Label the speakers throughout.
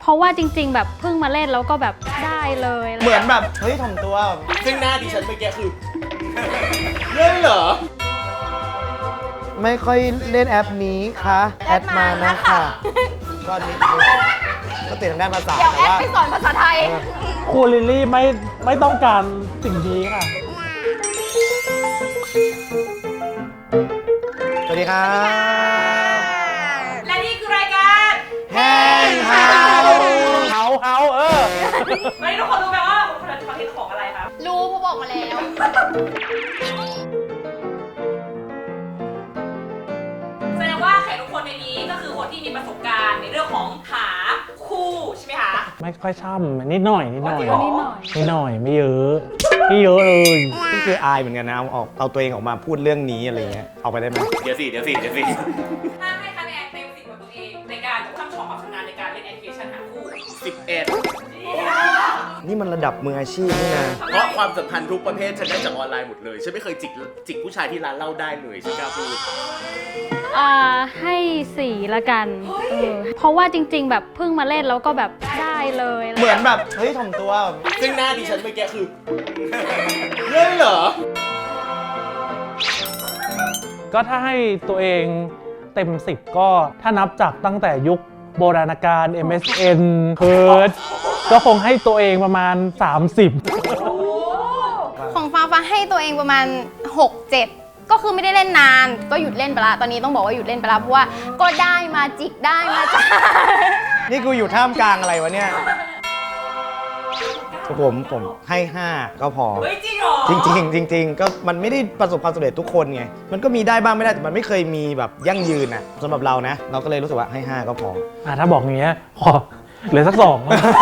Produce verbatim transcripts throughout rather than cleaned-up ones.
Speaker 1: เพราะว่าจริงๆแบบเพิ่งมาเล่นแล้วก็แบบได้เลย
Speaker 2: เหมือนแบบเฮ้ยถ่อมตัว
Speaker 3: ซึ่งหน้าดิฉันเมื่อกี้คือเล่นเหรอ
Speaker 2: ไม่ค่อยเล่นแอปนี้ค่ะแอดมานะค่ะก็นิดนึงก็ติดทางด้านภาษา
Speaker 4: เดี๋ยว
Speaker 2: แต่
Speaker 4: แอด
Speaker 2: ว่า
Speaker 4: ไปสอนภาษาไทย
Speaker 5: ครูลิลลี่ไม่ไม่ต้องการสิ่งนี้ค่ะ
Speaker 2: สวัสดีครับ
Speaker 4: และนี่คือรายการ
Speaker 2: แฮงเฮา
Speaker 5: เฮาเฮาเออ
Speaker 4: วันนี้ทุกคนรู้ไหมว่าคนละคอนเทนต์ของอะไรครับรู้ผู้บอกมาแล้วแสดงว่าแขกทุกคนในนี้ก็คือคนที่มีประสบการณ์ในเรื่องของหาคู่ใช่ไหมคะ
Speaker 5: ไม่ค่อยช่ำนิดหน่อยนิดหน่อย
Speaker 1: นิดหน่อย
Speaker 5: นิดหน่อยไม่เยอะไม่เยอะเลย
Speaker 2: นี่คืออายเหมือนกันนะเอาออกเอาตัวเองออกมาพูดเรื่องนี้อะไรเงี้ยเอาไปได้ไหม
Speaker 3: เดี๋ยวสิเดี๋ยวสิเดี๋ยวสิ
Speaker 4: ถ้าให้คะแนนเต็มสิบของตัวเองในการช่ำชองความชำนาญในการเล่นแอปพลิเคชันหาคู่
Speaker 3: สิบเอ็ด
Speaker 2: นี่มันระดับมืออาชีพนี่นะ
Speaker 3: เพราะความสัมพันธ์ทุกประเภทฉันได้จากออนไลน์หมดเลยฉันไม่เคยจิกจิกผู้ชายที่ร้านเหล้าได้เลยฉันกล้าพูด
Speaker 1: อ่าให้สี่ละกันเออเพราะว่าจริงๆแบบเพิ่งมาเล่นแล้วก็แบบได้เลย
Speaker 2: เหมือนแบบเฮ้ยถ่อมตัว
Speaker 3: ซึ่งหน้าดิฉันเมื่อกี้คือเล่นเหรอ
Speaker 5: ก็ถ้าให้ตัวเองเต็มสิบก็ถ้านับจากตั้งแต่ยุคโบราณกาล เอ็ม เอส เอ็น เพิร์ดก็คงให้ตัวเองประมาณสามสิบ
Speaker 4: ของฟ้าฟ้าให้ตัวเองประมาณหก เจ็ดก็คือไม่ได้เล่นนานก็หยุดเล่นไปละตอนนี้ต้องบอกว่าหยุดเล่นไปละเพราะว่าก็ได้มาจิกได้มาจ้า
Speaker 2: นี่กูอยู่ท่ามกลางอะไรวะเนี่ยผมผมให้ห้าก็พอ
Speaker 4: เฮ้ยจริงเหรอ
Speaker 2: จริงๆจริงๆก็มันไม่ได้ประสบความสำเร็จทุกคนไงมันก็มีได้บ้างไม่ได้แต่มันไม่เคยมีแบบยั่งยืนนะสำหรับเรานะเราก็เลยรู้สึกว่าให้ห้าก็พอ
Speaker 5: อ่ะถ้าบอกอย่างเงี้ยขอเหลือสักสอง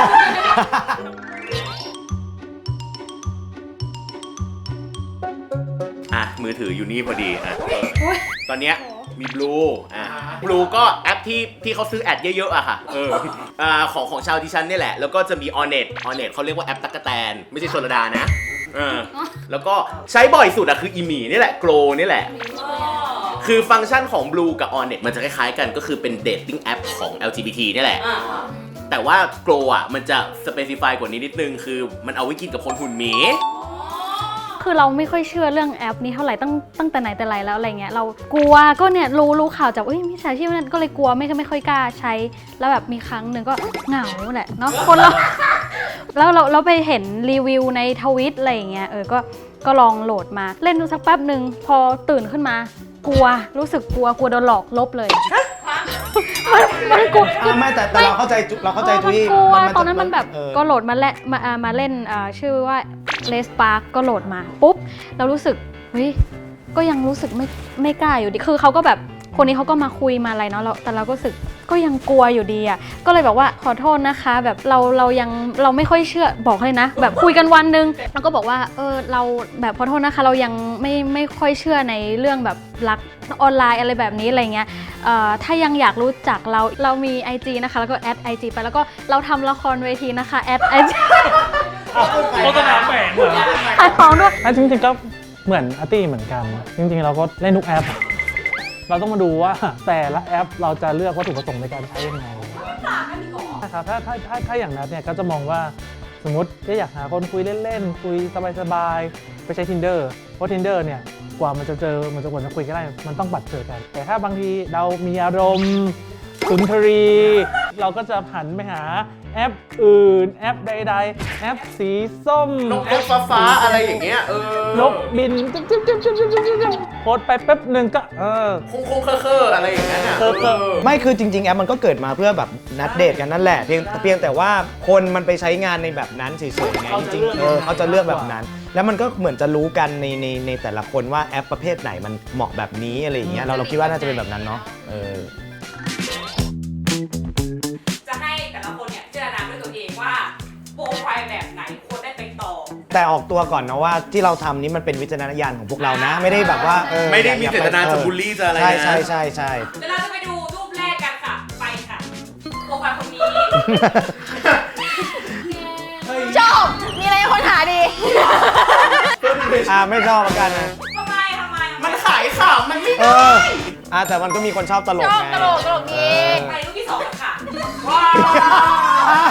Speaker 3: อ่ะมือถืออยู่นี่พอดีอ่ะตอนเนี้ยมี Blue อ่ะ Blue ก็แอปที่ที่เขาซื้อแอดเยอะๆอะค่ะเอออ่าของของชาวดิฉันนี่แหละแล้วก็จะมี Onet Onet เขาเรียกว่าแอปตั๊กแตนไม่ใช่ชลดานะเออแล้วก็ใช้บ่อยสุดอะคืออีหมีนี่แหละ Grow นี่แหละคือฟังก์ชันของ Blue กับ Onet มันจะคล้ายๆกันก็คือเป็นเดทติ้งแอปของ แอล จี บี ที นี่แหละแต่ว่า Grow อะมันจะสเปซิฟายกว่านี้นิดนึงคือมันเอาไว้กินกับคนหุ่นหมี
Speaker 1: คือเราไม่ค่อยเชื่อเรื่องแอปนี้เท่าไหร่ตั้งตั้งแต่ไหนแต่ไรแล้วอะไรเงี้ยเรากลัวก็เนี่ยรู้รู้ข่าวจากเอ้ยมิจฉาชีพนั่นก็เลยกลัวไม่ไม่ค่อยกล้าใช้แล้วแบบมีครั้งหนึ่งก็เหงาแหละเนาะคนเรา แล้วเราเราไปเห็นรีวิวในทวิตอะไรอย่างเงี้ยเออก็ก็ลองโหลดมาเล่นดูสักแป๊บหนึ่งพอตื่นขึ้นมากลัวรู้สึกกลัวกลัวโดนหลอกลบเลยมันมันกลัว
Speaker 2: ไม่แต่แต่เราเข้าใจเราเข้าใจ
Speaker 1: เออ
Speaker 2: ทุย
Speaker 1: มันกลัวตอนนั้นมันแบบ
Speaker 2: เออ
Speaker 1: ก็โหลดมาและมาอ่ามาเล่นอ่าชื่อว่า Let's Spark ก็โหลดมาปุ๊บเรารู้สึกเฮ้ยก็ยังรู้สึกไม่ไม่กล้าอยู่ดีคือเขาก็แบบคนนี้เขาก็มาคุยมาอะไรเนาะเราแต่เราก็รู้สึกก็ยังกลัวอยู่ดีอ่ะก็เลยบอกว่าขอโทษนะคะแบบเราเรายังเราไม่ค่อยเชื่อบอกเลยนะแบบคุยกันวันนึงแล้วก็บอกว่าเออเราแบบขอโทษนะคะเรายังไม่ไม่ค่อยเชื่อในเรื่องแบบรักออนไลน์อะไรแบบนี้อะไรเงี้ยเอ่อถ้ายังอยากรู้จักเราเรามี ไอ จี นะคะแล้วก็แอด ไอ จี ไปแล้วก็เราทำละครเวทีนะคะแอด ไอ จี
Speaker 5: โฆษณาแฝงเหรอ
Speaker 1: ขายของด้วย
Speaker 5: จริงๆก็เหมือนอาร์ตี้เหมือนกัน จริงๆเราก็เล่นทุกแอป เราต้องมาดูว่าแต่ละแอปเราจะเลือกวัตถุประสงค์ในการใช้ยังไงนะครับถ้าถ้าถ้าถ้าอย่างนั้นเนี่ยก็จะมองว่าสมมติถ้าอยากหาคนคุยเล่นๆคุยสบายๆไปใช้ Tinder เพราะ Tinder เนี่ยกว่ามันจะเจอมันจะกว่าจะคุยกันได้มันต้องบัดเจอกัน แต่ถ้าบางทีเรามีอารมณ์สุนทรี เราก็จะหันไปหาแอปอื่นแอปใดๆแอปสีส้ม
Speaker 3: นกฟ้าฟ้าๆอะไรอย่างเงี้ยเออน
Speaker 5: กบินจิ๊บจิ๊บจิ๊บจิ๊บจิ๊บจิ๊บโพสไปแป๊บหนึ่งก็เออ
Speaker 3: คงคงเคอเคออะไรอย่างเงี้ย
Speaker 5: เคอะเคอะ
Speaker 2: ไม่คือจริงๆแอปมันก็เกิดมาเพื่อแบบนัดเดทกันนั่นแหละเพียงเพียงแต่ว่าคนมันไปใช้งานในแบบนั้นเฉยๆไงจริงๆเออเขาจะเลือกแบบนั้น แล้วมันก็เหมือนจะรู้กันในในในแต่ละคนว่าแอปประเภทไหนมันเหมาะแบบนี้อะไรอย่างเงี้ยเราเราคิดว่าน่าจะเป็นแบบนั้นเนาะเออ
Speaker 4: จะให้แต่ละคนเนี่ยเจรจาด้วยตัวเองว่าโปรไฟล์แบบไหนควรได้ไปต่อ
Speaker 2: แต่ออกตัวก่อนนะว่าที่เราทำนี้มันเป็นวิจารณญาณของพวกเรานะ ไม่ได้แบบว่าเออ
Speaker 3: ไม่ได้มี
Speaker 2: อย่
Speaker 3: เจตนาจะบูลลี่จะอะไรนะ
Speaker 2: ใช่ใช่ใช่ใช่
Speaker 4: เดี๋ยวเราจะไปดูรูปแรกกันค่ะ ไปค่ะโปรไฟล์คนนี้ ชอบ มีอะไรคนหาดี
Speaker 2: อ่าไม่ชอบเหมือนกันนะ
Speaker 4: ทำไมทำไม
Speaker 3: มันขายข่าวมันไม่
Speaker 2: เอ
Speaker 3: ได้
Speaker 2: ออ่าแต่มันก็มีคนชอบตลก
Speaker 4: ชอบ
Speaker 2: ไง
Speaker 4: ตลกตลกดี
Speaker 2: เออ
Speaker 4: ไปรูปที่สองกันค่ะ ว้าว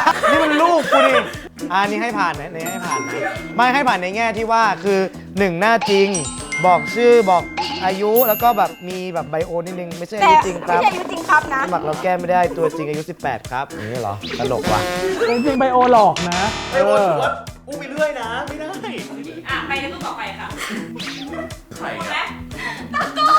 Speaker 2: อันนี้ให้ผ่านนะในให้ผ่านนะไม่ให้ผ่านในแง่ที่ว่าคือหนึ่งหน้าจริงบอกชื่อบอกอายุแล้วก็แบบมีแบบไบโอนิดนึงไม่ใช่อา
Speaker 6: แต่
Speaker 2: ยุจริงค
Speaker 6: ไม่
Speaker 2: รับ
Speaker 6: ใช่อายุจริงครับนะ
Speaker 2: สมัครเราแก้ไม่ได้ตัวจริงอายุสิบแปดครับอย่างนี้เหรอตลกว่ะ
Speaker 5: จริงๆไบโอหลอกนะ
Speaker 3: ไอโอถือว่าอู้ไปเรื่อยนะ ไม่ได้
Speaker 7: อ่ะ ไปในตู้ต่อไปค่ะ
Speaker 3: ใคร
Speaker 7: และ
Speaker 3: อะ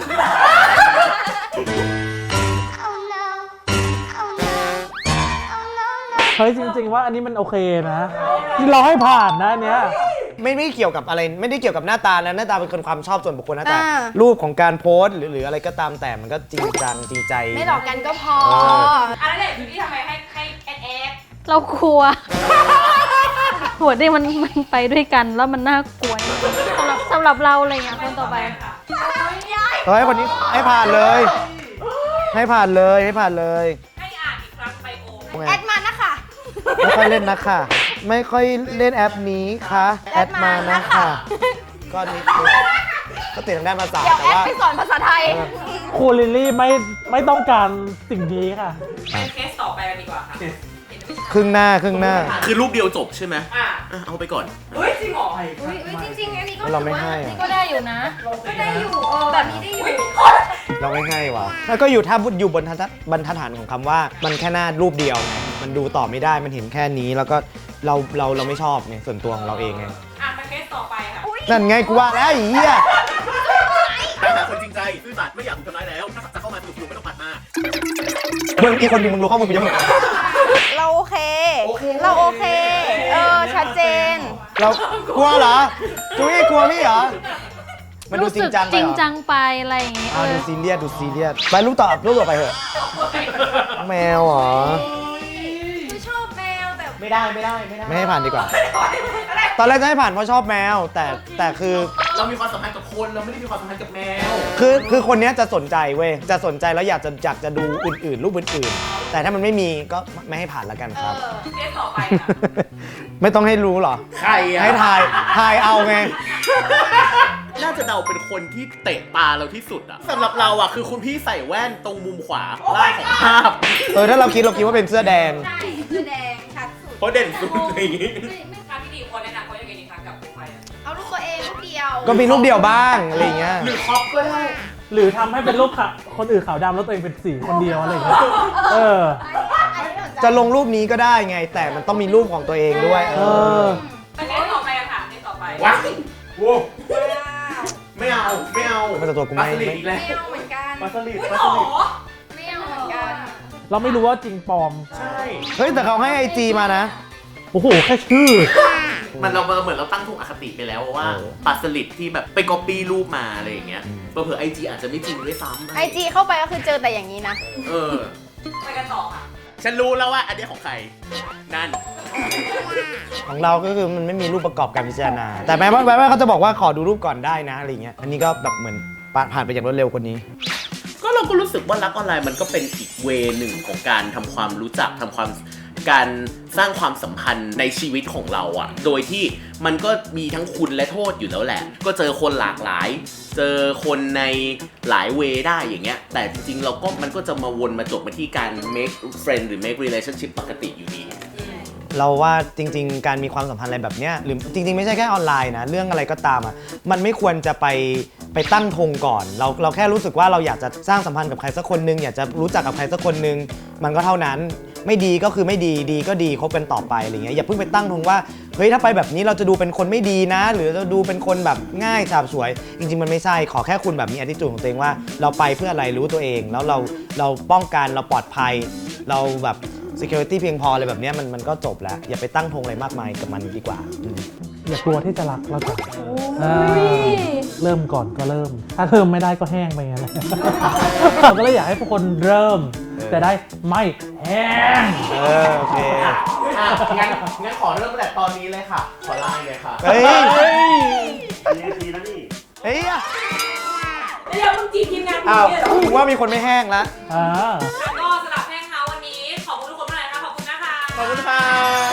Speaker 5: เฮ้ยจริง ๆ ว่าอันนี้มันโอเคนะนี่เราให้ผ่านนะอันเนี้ย
Speaker 2: ไม่ไม่เกี่ยวกับอะไรไม่ได้เกี่ยวกับหน้าตานะหน้าตาเป็นคนความชอบส่วนบุคคลนะแต่
Speaker 4: อ่า
Speaker 2: รูปของการโพสต์หรือหรืออะไรก็ตามแต่มันก็จริงจังจริงใจ
Speaker 4: ไม่หลอกกันก็พอ
Speaker 2: เออ
Speaker 7: อันนั้นแหละอยู่ที่ทำไมให้ให้แอดแอด
Speaker 1: เรากลัว หัวที่มันมันไปด้วยกันแล้วมันน่ากลัวสำหรับสำหรับเราอะไรเงี้ยคนต่อไป
Speaker 7: ค่ะ
Speaker 2: เฮ้ยคนนี้ให้ผ่านเลย ให้ผ่านเลยให้ผ่านเลย
Speaker 7: ให้อ่านอีกครั้งไบโอ
Speaker 4: แอดมานะคะ
Speaker 2: ไม่ค่อยเล่นนะค่ะ ไม่ค่อยเล่นแอปนี้ค่ะแอดมานะค่ะก็นิดนึงก็ติดทางด้านภาษา
Speaker 4: เดี๋ยว
Speaker 2: แต่
Speaker 4: แอด
Speaker 2: ว่า
Speaker 4: ไปสอนภาษาไทย
Speaker 5: ครูลิลลี่ไม่ไม่ต้องการสิ่งนี้ค่ะ
Speaker 7: ไปเคสต่อไปกันดีกว่าค่ะ
Speaker 2: ครึ่งหน้าครึ่งหน้า
Speaker 3: คือรูปเดียวจบใช่ไหม
Speaker 7: อ่ะ
Speaker 3: อ่ะเอาไปก่อน
Speaker 7: เฮ้ย จริงเหรอ
Speaker 4: อุ้ยจริงๆ อันนี้ก็
Speaker 2: เราไม่ให้อะ
Speaker 1: ก็ได้อยู่นะ
Speaker 4: ก็ได้อยู่เออแบบนี้ได้อยู่
Speaker 2: เราไม่ให้ว่ะแล้วก็อยู่ถ้าอยู่บนทัดบรรทัดฐานของคำว่ามันแค่หน้ารูปเดียวไงมันดูต่อไม่ได้มันเห็นแค่นี้แล้วก็เราเราเราไม่ชอบไงส่วนตัวของเราเองไง
Speaker 7: อ่ะ ไปเคสต่อไปค่ะ
Speaker 2: นั่นไงกูว่าแล้วไอ้เหี้ย
Speaker 3: แต่หาคนจริงใจซื่อสัตย์ไม่อยากถูกทำร้ายแล้ว ถ้าจะเข้ามาสนุกๆไม่ต้องปัดมา
Speaker 2: มึงอีกคนหนึงมึงรู้ข้อมูลกูยัง
Speaker 6: เราโอเค
Speaker 3: โอเค
Speaker 6: เราโอเค เออ ชัดเจน
Speaker 2: เรากลัวเหรอจุ้ยกลัวพี่เหรอมันดูจริงจังไป
Speaker 1: จริง
Speaker 2: เหรอ
Speaker 1: จังไปอะไรอย่างงี้
Speaker 2: อ่า
Speaker 1: เอ
Speaker 2: ดู
Speaker 1: อ
Speaker 2: ซีเรียสดูซีเรียสไปรูปต่อรูปต่อไปเถอะแมวเหรอ
Speaker 6: ไม่ชอบแมวแต่
Speaker 2: ไม่ได้ไม่ได้ไม่ได้ไม่ให้ผ่านดีกว่า ตอนแรกจะให้ผ่านเพราะชอบแมว แต่แต่คือ
Speaker 3: เรามีความสัมพันธ์กับคน เราไม่ได้มีความสัมพันธ์กับแมว
Speaker 2: คือคือคนเนี้ยจะสนใจเว้ยจะสนใจแล้วอยากจะอยากจะดูอื่นๆ รูปอื่นๆ แต่ถ้ามันไม่มีก็ไม่ให้ผ่านแล้วกันครับ
Speaker 7: เคสต่อไปค่ะ
Speaker 2: ไม่ต้องให้รู้หรอ
Speaker 3: ใครอะ
Speaker 2: ให้ทายทายเอาไง
Speaker 3: น่าจะเดาเป็นคนที่เตะตาเราที่สุดอะสำหรับเราอะคือคุณพี่ใส่แว่นตรงมุมขวาล่างของภาพ
Speaker 2: เออถ้าเราคิดเราคิดว่าเป็นเสื้อแดง
Speaker 4: ใช่คือแดงชัดสุด
Speaker 3: เพราะเด่นสุดอะไรอย่างงี้
Speaker 7: ทางที่ดีควรแนะนำเขายังไงดีคะกับโปรไฟล์
Speaker 4: เอารูปตัวเองรูปเดียว
Speaker 2: ก็มีรูปเดียวบ้างอะไรอย่างเงี้ย
Speaker 3: หรือคอปก็ได้
Speaker 5: หรือทำให้เป็นรูปขาวคนอื่นขาวดำแล้วตัวเองเป็นสีคนเดียวอะไรอย่างเงี้ยเออ
Speaker 2: จะลงรูปนี้ก็ได้ไง แต่มันต้องมีรูปของตัวเองด้วย เอ
Speaker 5: เอ
Speaker 2: อ
Speaker 5: อ
Speaker 7: ไปเคสต่อไปกันค่ะเคสต่อไป
Speaker 3: ว้าวโว้ไม่เอา ไม่เอา
Speaker 2: ไม่แต่ตัวกูไม่
Speaker 3: ปลาสลิดอีกแล้ว
Speaker 4: ไม่เอาเหมือนกัน
Speaker 3: ปลาสลิด
Speaker 7: เฮ้ย
Speaker 3: ปลา
Speaker 7: หร
Speaker 3: สลิด
Speaker 7: อ
Speaker 4: ไม่เอาเหมือนกัน
Speaker 5: เราไม่รู้ว่าจริงปลอม
Speaker 3: ใช่
Speaker 2: เฮ้ยแต่เขาให้ไอจีมานะ
Speaker 5: โอ้โห แค่ชื่อ
Speaker 3: มันเราเหมือนเราตั้งถูกอคติไปแล้วว่า
Speaker 2: เออ
Speaker 3: ปลาสลิดที่แบบไปก๊อปปี้รูปมาอะไรอย่างเงี้ยเผื่อไอจีอาจจะไม่จริงด้วยซ้ำ
Speaker 4: ไอจีเข้าไปก็คือเจอแต่อย่างนี้นะ
Speaker 3: เออ
Speaker 7: ไปกันต่อค่ะ
Speaker 3: ฉันรู้แล้วว่าอันนี้ของใคร นั่น
Speaker 2: ของเราก็คือมันไม่มีรูปประกอบการพิจารณา แต่แม้ว่าแม้ว่าเขาจะบอกว่าขอดูรูปก่อนได้นะอะไรเงี้ย อันนี้ก็แบบเหมือนผ่านไปอย่างรวดเร็วกว่านี้
Speaker 3: ก็เราก็รู้สึกว่ารักออนไลน์มันก็เป็นอีกเวหนึ่งของการทำความรู้จักทำความการสร้างความสัมพันธ์ในชีวิตของเราอะโดยที่มันก็มีทั้งคุณและโทษอยู่แล้วแหละ ก็เจอคนหลากหลาย เจอคนในหลายเวได้อย่างเงี้ย แต่จริงๆเราก็มันก็จะมาวนมาจบมาที่การ make friend หรือ make relationship ปกติอยู่ดี
Speaker 2: เราว่าจริง ๆ การมีความสัมพันธ์อะไรแบบเนี้ยหรือจริง ๆ ไม่ใช่แค่ออนไลน์นะเรื่องอะไรก็ตามอ่ะมันไม่ควรจะไปไปตั้งธงก่อน เราเราแค่รู้สึกว่าเราอยากจะสร้างสัมพันธ์กับใครสักคนนึงอยากจะรู้จักกับใครสักคนนึงมันก็เท่านั้นไม่ดีก็คือไม่ดีดีก็ดีคบกันต่อไปอะไรเงี้ยอย่าเพิ่งไปตั้งธงว่าเฮ้ยถ้าไปแบบนี้เราจะดูเป็นคนไม่ดีนะ หรือจะดูเป็นคนแบบง่ายฉาบฉวย จริง ๆ มันไม่ใช่ขอแค่คุณแบบมี attitude ของตัวเองว่าเราไปเพื่ออะไรรู้ตัวเองแล้วเราเราป้องกันเราปลอดภัย เราแบบ security เพียงพออะไรแบบเนี้ยมันมันก็จบแล้วอย่าไปตั้งธงอะไรมากมายกับมันดีกว่าอืม
Speaker 5: อย่ากลัวที่จะรักเราก่อนอ่าเริ่มก่อนก็เริ่ม ถ้าเริ่มไม่ได้ก็แห้งไปงั้นแหละ เราก็เลยอยากให้ทุกคนเริ่ม แต่ได้ไม่แห้ง
Speaker 2: เออโอเค
Speaker 3: อ่ะงั้นงั้นขอเริ่มตั้งแต่ตอนนี้เลยค่ะ ขอไลน์เลยค่ะ
Speaker 2: เฮ้ย
Speaker 5: เฮ้ย
Speaker 2: เฮ้ยอ่ะ
Speaker 7: แล้วอย่าเพิ่งจีบทีมงานคุณ
Speaker 2: อ้าว
Speaker 7: เนี่ยเหรอ
Speaker 2: กูว่ามีคนไม่แห้งละ
Speaker 5: อ่า
Speaker 7: แล้วก็สำหรับแห้งเฮาวันนี้ ขอบคุณทุกคนมากเลยนะคะขอบคุณนะคะ
Speaker 3: ขอบคุณค่ะ